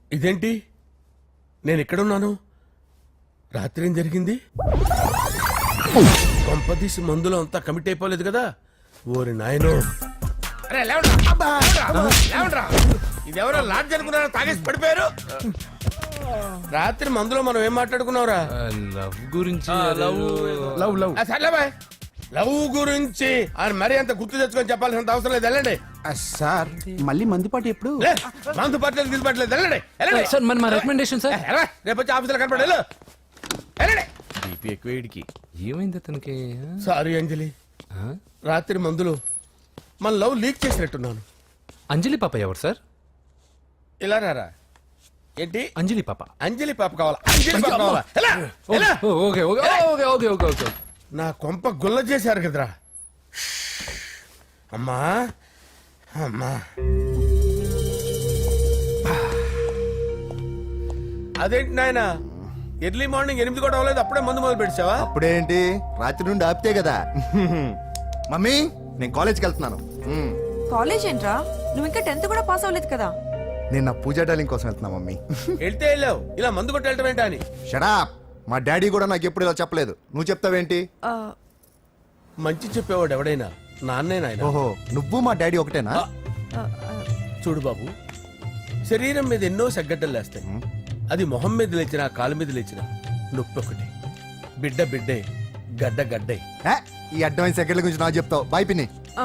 ఇదేంటి, నేను ఎక్కడున్నాను? రాత్రి ఏం జరిగింది? కొంపదీసి మందులో అంతా కమిట్ అయిపోలేదు కదా? ఓరి నాయనో! ఇదెవరో లాడ్జ్ అనుకున్నారా? తాగేసి పడిపోయారు. రాత్రి మందులో మనం ఏం మాట్లాడుకున్నావురా? లవ్ గురించి. లవ్ గురించి ఆయన మరీ అంత గుర్తు తెచ్చుకొని చెప్పాల్సినంత అవసరం లేదు. వెళ్ళండి సార్. మళ్ళీ మందుపాటి ఎప్పుడు? మందు పట్టలేదు, తీసుపట్టలేదు. వెళ్ళండి సార్ మన మా రికమెండేషన్ సార్. రేపు వచ్చి ఆఫీసులో కనపడి వెళ్ళండి. బీపీ ఎక్కువ వీడికి. ఏమైంది అతనికి? సారీ అంజలి, రాత్రి మందులో మన లవ్ లీక్ చేసినట్టున్నాను. అంజలి పాప ఎవరు సార్? ఇలా రారా. ఏంటి? అంజలి పాప. అంజలి పాప కావాలా? అంజలి పాప కావాలా? ఎలా? Okay okay okay okay okay okay. నా కొంప గుల్ల చేశారు కదరా. అమ్మా అమ్మా, అదేంటి నాయన, ఎర్లీ మార్నింగ్ 8 కూడా అవ్వలేదు, అప్పుడే మందు మొదలు పెడిచావా? అప్పుడేంటి, రాత్రి నుండి ఆపితే కదా. మమ్మీ, నేను కాలేజ్కి వెళ్తున్నాను. కాలేజ్ ఏంట్రా? నువ్వు ఇంకా 10th కూడా పాస్ అవ్వలేదు కదా. నేను నా పూజా డాలింగ్ కోసం వెళ్తున్నా మమ్మీ. వెళ్తే వెళ్ళావు, ఇలా మందు కొట్టి వెళ్ళటం ఏంటా అని. షడాప్. మా డాడీ కూడా నాకు ఎప్పుడు ఇలా చెప్పలేదు. నువ్వు చెప్తావేంటి? మంచి చెప్పేవాడు ఎవడైనా నాన్నే నాయన. ఓహో, నువ్వు మా డాడీ ఒకటేనా? చూడు బాబు, శరీరం మీద ఎన్నో సగ్గడ్డలు లేస్తాయి. అది మొహం మీద లేచినా కాలు మీద లేచినా నొప్పి ఒకటి. బిడ్డ బిడ్డే, గడ్డ గడ్డే. ఈ అడ్వాన్స్ సెకండ్ల గురించి నాకు చెప్తావు. బాయ్ పిన్ని.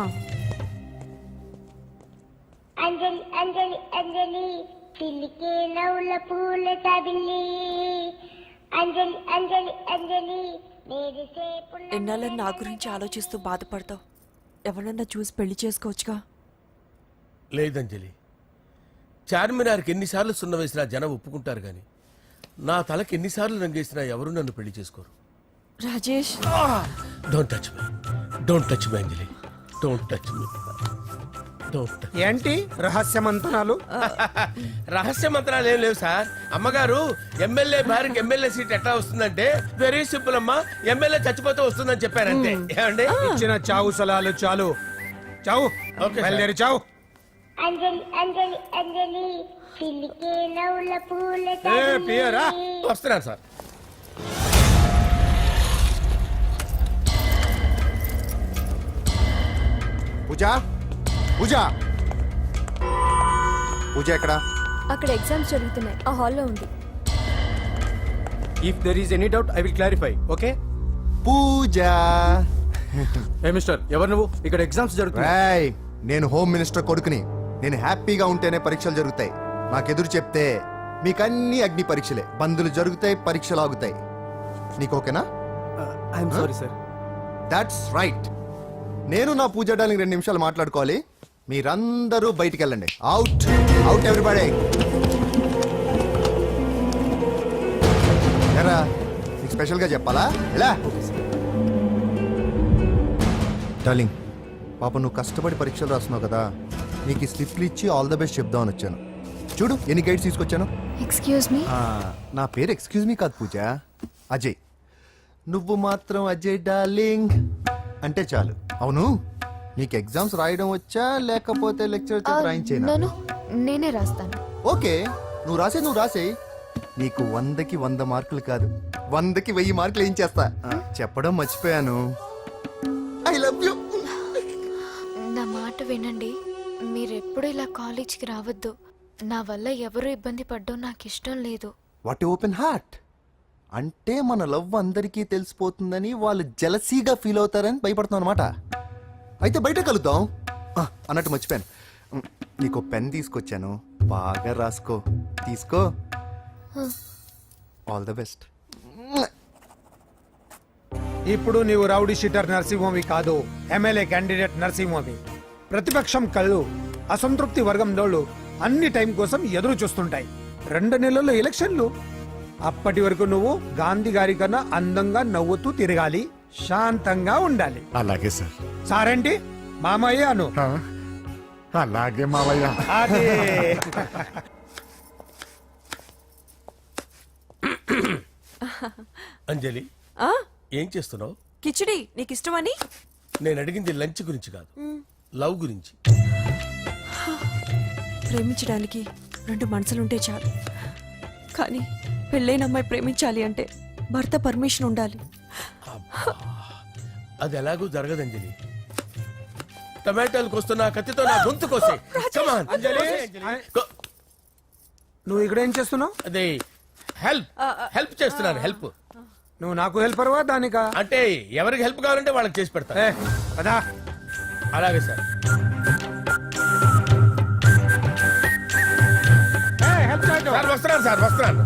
అంజలి అంజలి అంజలి పిల్లికే నవ్వుల పూల తబిల్లి. అంజలి అంజలి అంజలి ఎన్నాళ్ళని నా గురించి ఆలోచిస్తూ బాధపడతావు? ఎవరన్నా చూసి పెళ్లి చేసుకోవచ్చుగా. లేదంజలి, చార్మినార్కి ఎన్నిసార్లు సున్న వేసినా జనం ఒప్పుకుంటారు గాని నా తలకి ఎన్నిసార్లు రంగేసినా ఎవరు నన్ను పెళ్లి చేసుకోరు. Rajesh, don't touch me, don't touch me Anjali, don't touch me. ఏంటి రహస్య మంతనాలు? రహస్య మంత్రాలు ఏం లేవు సార్. అమ్మగారు ఎమ్మెల్యే భార్యకి ఎమ్మెల్యే సీట్ ఎట్లా వస్తుందంటే వెరీ సింపుల్ అమ్మా, ఎమ్మెల్యే చచ్చిపోతే వస్తుందని చెప్పారంతే. ఏమండి? ఇచ్చిన చావు సలాలు చాలు. చావు. ఓకే, బయలుదేరి చావు. అంజలి అంజలి అంజలి పిల్లికే నవ్వుల పూల పియరా తబిల్లి. వస్తున్నాను సార్. పూజ, పూజ, పూజ ఎక్కడ? అక్కడ ఎగ్జామ్స్ జరుగుతున్నాయి, ఆ హాల్లో ఉంది. If there is any doubt I will clarify. Okay. Pooja. ఏ మిస్టర్, ఎవరు నువ్వు? ఇక్కడ ఎగ్జామ్స్ జరుగుతున్నాయి. నేను హోమ్ మినిస్టర్ కొడుకుని. నేను హ్యాపీగా ఉంటేనే పరీక్షలు జరుగుతాయి. నాకెదురు చెప్తే మీకన్నీ అగ్ని పరీక్షలే. బందులు జరుగుతాయి, పరీక్షలు ఆగుతాయి. నీకు ఓకేనా? I'm sorry sir. That's right. నేను నా పూజ డాలింగ్ 2 నిమిషాలు మాట్లాడుకోవాలి. మీరందరూ బయటికి వెళ్ళండి. Out out everybody. ఎరా, నీకు స్పెషల్గా చెప్పాలా? ఎలా డార్లింగ్, పాప నువ్వు కష్టపడి పరీక్షలు రాస్తున్నావు కదా, నీకు ఈ స్లిప్లు ఇచ్చి ఆల్ ద బెస్ట్ చెప్దామని వచ్చాను. చూడు ఎన్ని గైడ్స్ తీసుకొచ్చాను. Excuse me. నా పేరు ఎక్స్క్యూజ్ మీ కాదు పూజ, అజయ్. నువ్వు మాత్రం అజయ్ డార్లింగ్ అంటే చాలు. అవును, నీకు ఎగ్జామ్స్ రాయడం వచ్చా లేకపోతే లెక్చర్ రాయించేనా? నేనే రాస్తాను. ఓకే, నువ్వు రాసేయి. నీకు 100కి 100 మార్కులు కాదు, 100కి 1000 మార్కులు ఏం చేస్తా. చెప్పడం మర్చిపోయాను, ఐ లవ్ యూ. నా మాట వినండి, మీరెప్పుడు ఇలా కాలేజ్కి రావద్దు. నా వల్ల ఎవరు ఇబ్బంది పడ్డం నాకు ఇష్టం లేదు. What open heart. అంటే మన లవ్ అందరికీ తెలిసిపోతుందని వాళ్ళు జలసీగా ఫీల్ అవుతారని భయపడుతున్నాం అనమాట. అయితే బయట కలుద్దాం. అన్నట్టు మర్చిపోయాను, నీకు పెన్ తీసుకొచ్చాను, బాగా రాసుకో. తీసుకో. All the best. ఇప్పుడు నీవు రౌడీ షీటర్ నరసింహవి కాదు, ఎమ్మెల్యే క్యాండిడేట్ నరసింహవి. ప్రతిపక్షం కళ్ళు, అసంతృప్తి వర్గం డోళ్ళు అన్ని టైం కోసం ఎదురు చూస్తుంటాయి. 2 నెలల్లో ఎలక్షన్లు. అప్పటి వరకు నువ్వు గాంధీ గారి కన్నా అందంగా నవ్వుతూ తిరగాలి, శాంతంగా ఉండాలి. అలాగే సార్. సారేంటి మామయ్య అను. అలాగే మావయ్య. అదే. అంజలి, ఏం చేస్తున్నావు? కిచిడి నీకు ఇష్టమని. నేను అడిగింది లంచ్ గురించి కాదు, లవ్ గురించి. ప్రేమించడానికి రెండు మనసులుంటే చాలు. కానీ పెళ్ళైన అమ్మాయి ప్రేమించాలి అంటే భర్త పర్మిషన్ ఉండాలి. అది ఎలాగూ జరగదు అంజలి. టమాటాలకు వస్తున్న కత్తితో నా గొంతు కోసే. Come on. కో- నువ్వు ఇక్కడ ఏం చేస్తున్నావు? అదే హెల్ప్ చేస్తున్నాను. హెల్ప్ నువ్వు నాకు హెల్పర్వా దానికా? అంటే ఎవరికి హెల్ప్ కావాలంటే వాళ్ళకి చేసి పెడతా. ఏ, పదా. అలాగే సార్. హెల్ప్ చేయటం. సార్ వస్తున్నాను సార్, వస్తున్నాను.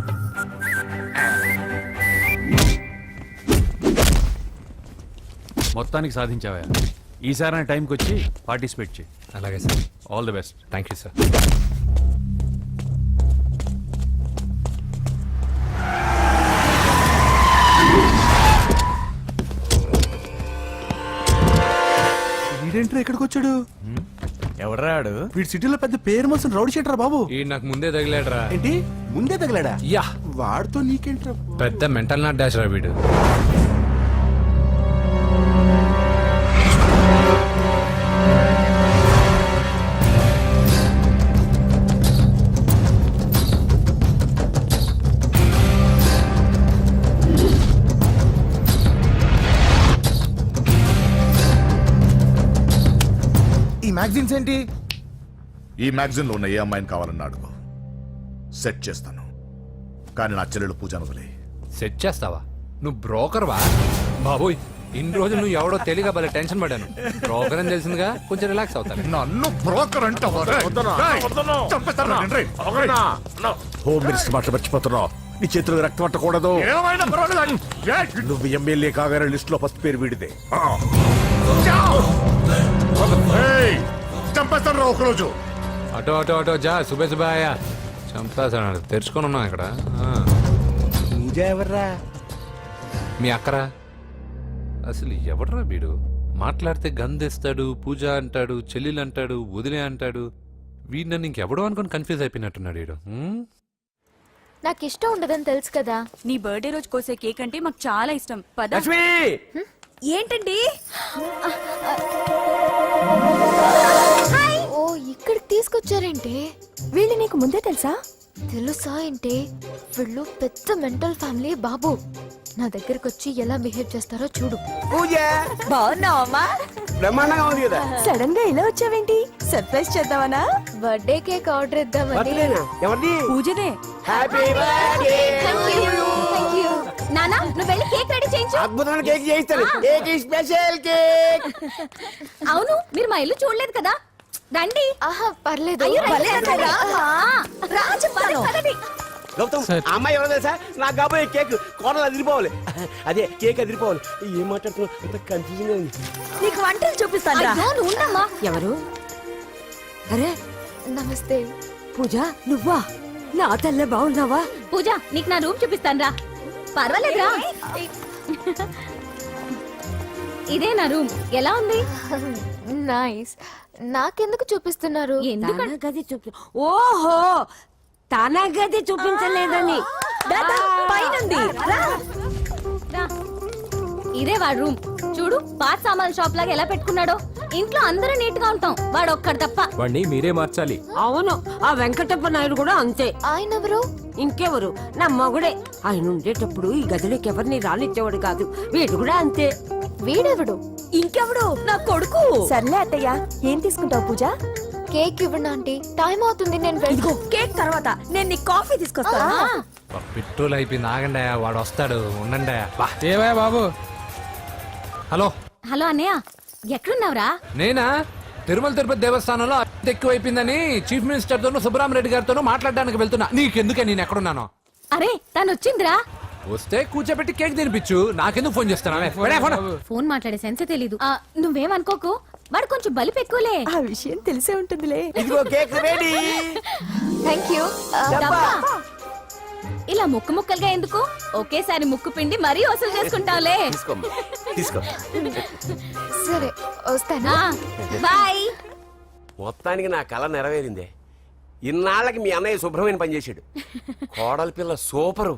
మొత్తానికి సాధించావా? ఈసారి టైంకి వచ్చి పార్టిసిపేట్ చేయి. అలాగే sir. All the best. Thank you sir. వీడేంట్రా ఇక్కడికి వచ్చాడు? ఎవడరాడు? వీడి సిటీలో పెద్ద పేరు మోసిన రౌడీ షీటరా బాబు. ఈ నాకు ముందే తగిలాడరా. ఏంటి ముందే తగిలాడా? యా, వాడితో నీకేంట్రా? పెద్ద మెంటల్ నాట్ డాష్ రా వీడు. ఈ మ్యాగజైన్స్ ఏంటి? ఈ మ్యాగజైన్ లో ఉన్న ఏ అమ్మాయిని కావాలన్నా అడుగు, సెట్ చేస్తాను. కానీ నా చెల్లెలు పూజను వదిలే. సెట్ చేస్తావా? నువ్వు బ్రోకర్ వా? బాబోయ్, ఇన్ని రోజులు నువ్వు ఎవడో తెలియక భలే టెన్షన్ పడ్డాను. బ్రోకర్ అని తెలిసిందిగా కొంచెం రిలాక్స్ అవుతాను. నన్ను బ్రోకర్ అంటావా? హోమ్ మినిస్టర్ మాటలు మర్చిపోతున్నావు. నీ చేతులకు రక్తం పట్టకూడదు. నువ్వు ఎమ్మెల్యే కాగానే లిస్ట్ లో ఫస్ట్ పేరు వీడిదే. చంపేస్తాను ఒకరోజు. అటో అటో అటో జా, సుబే సుబాయ. చంపేస్తాడు. తెరుచుకొని ఉన్నాం ఇక్కడ. పూజ ఎవర్రా? మీ అక్కరా? అసలు ఎవడరా వీడు? మాట్లాడితే గంధేస్తాడు, పూజ అంటాడు, చెల్లెలు అంటాడు, వదిలే అంటాడు. వీడు నన్ను ఇంకెవడో అనుకుని కన్ఫ్యూజ్ అయిపోయినట్టున్నాడు వీడు. నాకు ఇష్టం ఉండదని తెలుసు కదా. నీ బర్త్డే రోజు కోసే కేక్ అంటే మాకు చాలా ఇష్టం. పద. ఏంటండి? ఓ, ఇక్కడికి తీసుకొచ్చారేంటి? వీళ్ళు నీకు ముందే తెలుసా? తెలుసా ఏంటి? వీళ్ళు పెద్ద మెంటల్ ఫ్యామిలీ బాబు. నా దగ్గరకు వచ్చి ఎలా బిహేవ్ చేస్తారో చూడు. పూజ బాగున్నావమ్మా? బ్రహ్మాండంగా ఉంది కదా. సడన్ గా ఇలా వచ్చావేంటి? సర్ప్రైజ్ చేద్దామనా? బర్త్డే కేక్ ఆర్డర్ ఇద్దామని. బర్త్డేనా? ఎవరిది? పూజనే. Happy birthday. Thank you. నానా, నువ్వు వెళ్ళి కేక్ రెడీ చేయించు. అద్భుతమైన కేక్ చేయిస్తాను. Cake special cake. అవును, మీరు మా ఇల్లు చూడలేదు కదా. రండి. ఆహా, పర్లేదు. గౌతమ్, ఆ అమ్మాయి ఎవరో తెలుసా? నాకు కాబోయే కేక్ కోడలు అదిరిపోవాలి. అదే కేక్ అదిరిపోవాలి. ఏం మాట్లాడుతున్నావు? అంత కన్ఫ్యూజన్ గా ఉంది. నీకు వంటలు చూపిస్తాను. ఎవరు? అరే, నమస్తే. పూజ నువ్వా? నా తల్లే బాగున్నావా? పూజ, నీకు నా రూమ్ చూపిస్తాను రా. పర్వాలేదురా. ఇదే నా రూమ్. ఎలా ఉంది? నైస్. నాకెందుకు చూపిస్తున్నారు? ఎందుకంటే గది చూపి. ఓహో, తన గది చూపించలేదని. పైనుంది. ఇదే వాడు రూమ్. చూడు, పాత సామాన్ షాప్ లాగా ఎలా పెట్టుకున్నాడో. ఇంట్లో అందరూ నీట్ గా ఉంటాం, వాడు ఒక్కడు తప్ప. వాడిని మీరే మార్చాలి. అవును, ఆ వెంకటప్ప నాయుడు కూడా అంతే. ఆయన ఎవరు? ఇంకెవరు? నా మగుడే. ఆయన ఉండేటప్పుడు ఈ గదిలోకి ఎవరిని రానిచ్చేవాడు కాదు. వీడు కూడా అంతే. వీడెవడు? ఇంకెవడు? నా కొడుకు. సర్లే అత్తయ్య, ఏం తీసుకుంటావు పూజ? కేక్ ఇవ్వండి ఆంటీ, టైం అవుతుంది. నేను వెళ్ళి కేక్ తర్వాత నేను నీ కాఫీ తీసుకొస్తాను. పెట్రోల్ అయిపోయింది. ఆగండి, వాడు వస్తాడు. ఉండండి. ఏవా బాబు? హలో హలో అన్నయ్య, ఎక్కడున్నావురా? నేనా? తిరుమల తిరుపతి దేవస్థానంలో అత్యంత ఎక్కువైపోయిందని చీఫ్ మినిస్టర్ తోనూ సుబ్బరామరెడ్డి గారితోనూ మాట్లాడడానికి వెళ్తున్నా. నీకెందుకే నేను ఎక్కడున్నాను? అరే, తను వచ్చిందిరా. వస్తే కూర్చోబెట్టి కేక్ తినిపించు. నాకెందుకు ఫోన్ చేస్తానా? ఫోన్ మాట్లాడే సెన్స్ తెలీదు. నువ్వేమనుకోకు, వాడు కొంచెం బలిపు ఎక్కువలే. ఆ విషయం తెలిసే ఉంటుందిలే. ఇదిగో కేక్ రెడీ. Thank you. ఇలా ముక్కు ముక్కలుగా ఎందుకు? ఒకేసారి ముక్కు పిండి మరీ వసూలు చేసుకుంటావులే. తీసుకో. సరే, వస్తానా? బాయ్. మొత్తానికి నా కళ నెరవేరిందే. ఇన్నాళ్ళకి మీ అన్నయ్య శుభ్రమైన పని చేశాడు. కోడలి పిల్ల సూపరు.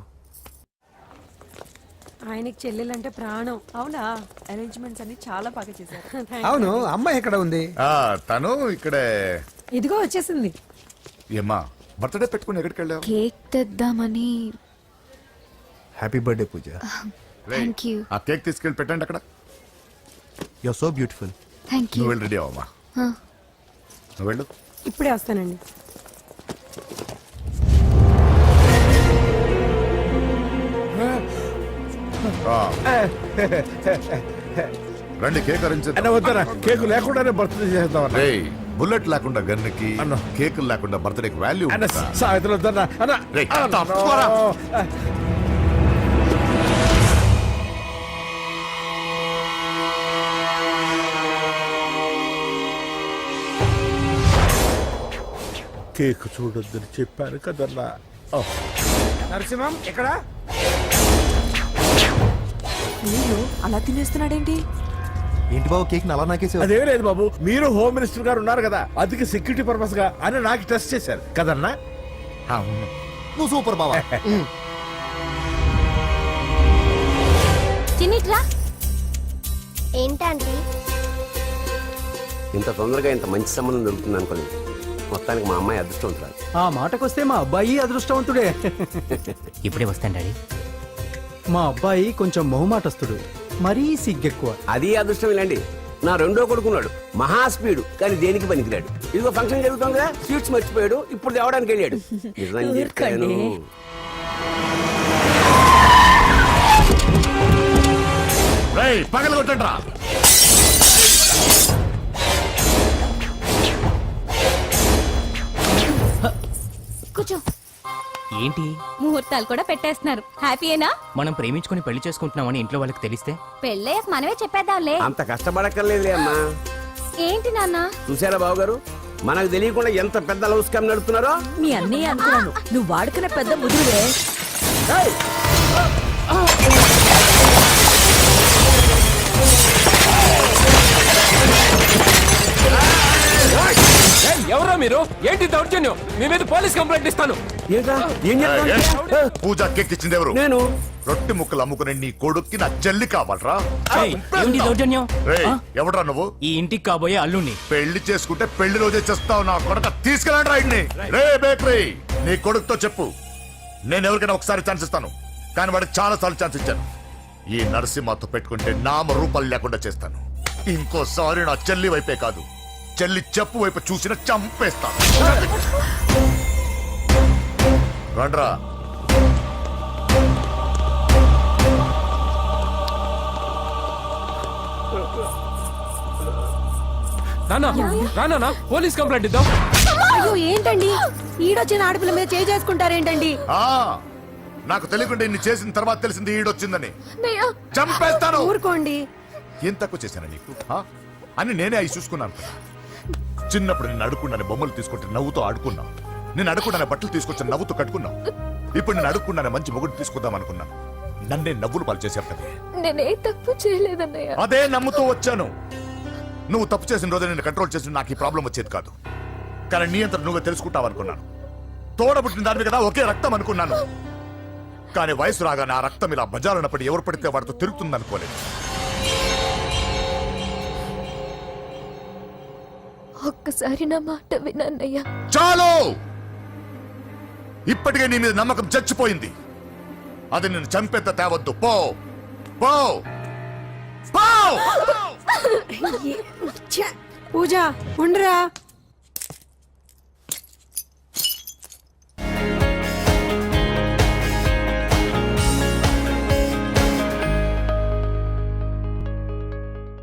ఆయనకి చెల్లెలంటే ప్రాణం. అవునా? అరేంజ్మెంట్స్ అన్ని చాలా బాగా చేశారు. అవును, అమ్మాయి ఎక్కడ ఉంది? తను ఇక్కడే. ఇదిగో వచ్చేసింది. ఏమ్మా, బర్త్డే పెట్టుకుని ఎక్కడికి వెళ్ళావు? కేక్ తెద్దామని. Happy birthday Pooja. Thank you. ఆ కేక్ తీసుకెళ్ళి పెట్టండి అక్కడ. You are so beautiful. Thank you. నువ్వు వెళ్ళి రెడీ అవ్వమ్మా. నువ్వు వెళ్ళు. ఇప్పుడే వస్తానండి. రండి కేక్ అన్న వద్దరా, కేకు లేకుండానే బర్త్డే చేద్దాం అన్న. బుల్లెట్ లేకుండా గన్నుకి, కేకులు లేకుండా బర్త్డేకి వాల్యూ. అన్న సాయంత్రం వద్దన్నా అన్న. రేయ్, అన్న, తప్పుకోరా. కేక్ చూడొద్దని చెప్పాను కదన్నా. నరసింహం ఎక్కడ? మీరు అలా తినేస్తున్నాడేంటి? ఏంటి బాబు కేక్ అలా నాకేసి? అదేం లేదు బాబు, మీరు హోమ్ మినిస్టర్ గారు ఉన్నారు కదా, అందుకే సెక్యూరిటీ పర్పస్ గా అని నాకు టెస్ట్ చేశారు కదన్నా. అవును. నువ్వు సూపర్ బాబా. చిన్నిట్రా. ఏంటంటే ఇంత తొందరగా ఇంత మంచి సంబంధం దొరుకుతుంది అనుకోలేదు. మొత్తానికి మా అమ్మాయి అదృష్టవంతురాలు. ఆ మాటకొస్తే మా అబ్బాయి అదృష్టవంతుడే. ఇప్పుడే వస్తాను డాడీ. మా అబ్బాయి కొంచెం మొహమాటస్తుడు, మరీ సిగ్గెక్కువ. అది అదృష్టం ఇలాండి. నా రెండో కొడుకున్నాడు, మహా స్పీడు, కానీ దేనికి పనికిరాడు. ఇదిగో ఫంక్షన్ జరుగుతుంది కదా, స్వీట్స్ మర్చిపోయాడు, ఇప్పుడు తేవడానికి వెళ్ళాడు. నిజం చెప్పాను. పగల కొట్టండి రా. కూర్చో. ఏంటి ముహూర్తాలు కూడా పెట్టేస్తున్నారు. హ్యాపీయేనా? మనం ప్రేమించుకుని పెళ్లి చేసుకుంటున్నామని ఇంట్లో వాళ్ళకి తెలిస్తే? పెళ్ళయ్యాక మనమే చెప్పేద్దాంలే. అంత కష్టపడక్కర్లేదులే అమ్మా. ఏంటి నాన్న? చూసారా బాబు గారు, మనకు తెలియకుండా ఎంత పెద్ద లవ్ స్కామ్ నడుపుతున్నారో. మీ అన్నయ్య అనుకున్నాను, నువ్వు వాడుకునే పెద్ద ముదురువే. ఎవరో మీరు? ఏంటి దౌర్జన్యం? మీ మీద పోలీస్ కంప్లైంట్ ఇస్తాను. పూజ కేక్ ఇచ్చింది ఎవరు? నేను. రొట్టె ముక్కలు అమ్ముకునే నీ కొడుక్కి నా చెల్లి కావాలరా? ఏంటి దౌర్జన్యం? ఎవడరా నువ్వు? ఈ ఇంటికి కాబోయే అల్లుణ్ణి. పెళ్లి చేసుకుంటే పెళ్లి రోజే చేస్తావు నా కొడుక. తీసుకెళ్ళండి రాయిడ్ని. రే బేకరీ, నీ కొడుకుతో చెప్పు, నేను ఎవరికైనా ఒకసారి ఛాన్స్ ఇస్తాను, కానీ వాడికి చాలా సార్లు ఛాన్స్ ఇచ్చాను. ఈ నరసింహతో పెట్టుకుంటే నామ రూపాలు లేకుండా చేస్తాను. ఇంకోసారి నా చెల్లి వైపే కాదు, చెల్లి చెప్పు వైపు చూసిన చంపేస్తాను. రండ్రా. రానా పోలీస్ కంప్లైంట్ ఇద్దాం. అయ్యో ఏంటండి, ఈడొచ్చిన ఆడపిల్ల మీద చేసుకుంటారేంటండి? నాకు తెలియకుండా ఇన్ని చేసిన తర్వాత తెలిసింది ఈడొచ్చిందని. చంపేస్తాను. ఊరుకోండి. ఏం తక్కువ చేశాను నీకు అని నేనే అవి చూసుకున్నాను కదా. చిన్నప్పుడు నేను అడుక్కున్నాను బొమ్మలు తీసుకుంటే నవ్వుతూ ఆడుకున్నావు. నేను అడుక్కున్నాను బట్టలు తీసుకొచ్చి నవ్వుతూ కట్టుకున్నావు. ఇప్పుడు నేను అడుక్కున్నాను మంచి మొగుడు తీసుకుందాం అనుకున్నాను. నన్నే నవ్వులు పాలు చేశావు కదా. నేనే తప్పు చేయలేదన్నయ్య. అదే నమ్ముతూ వచ్చాను. నువ్వు తప్పు చేసిన రోజు నేను కంట్రోల్ చేసిన నాకు ఈ ప్రాబ్లం వచ్చేది కాదు. కానీ నీ అంతా నువ్వే తెలుసుకుంటావు అనుకున్నాను. తోడబుట్టిన దాని కదా ఒకే రక్తం అనుకున్నాను. కానీ వయసు రాగానే ఆ రక్తం ఇలా బజారున్నప్పుడు ఎవరు పడితే వాడితో తిరుగుతుంది అనుకోలేదు. ఒక్కసారి నా మాట వినన్నయ్య. చాలు, ఇప్పటికే నీ మీద నమ్మకం చచ్చిపోయింది. అది నేను చంపేంత తేవద్దు. పో పో పో. పూజ ఉండరా.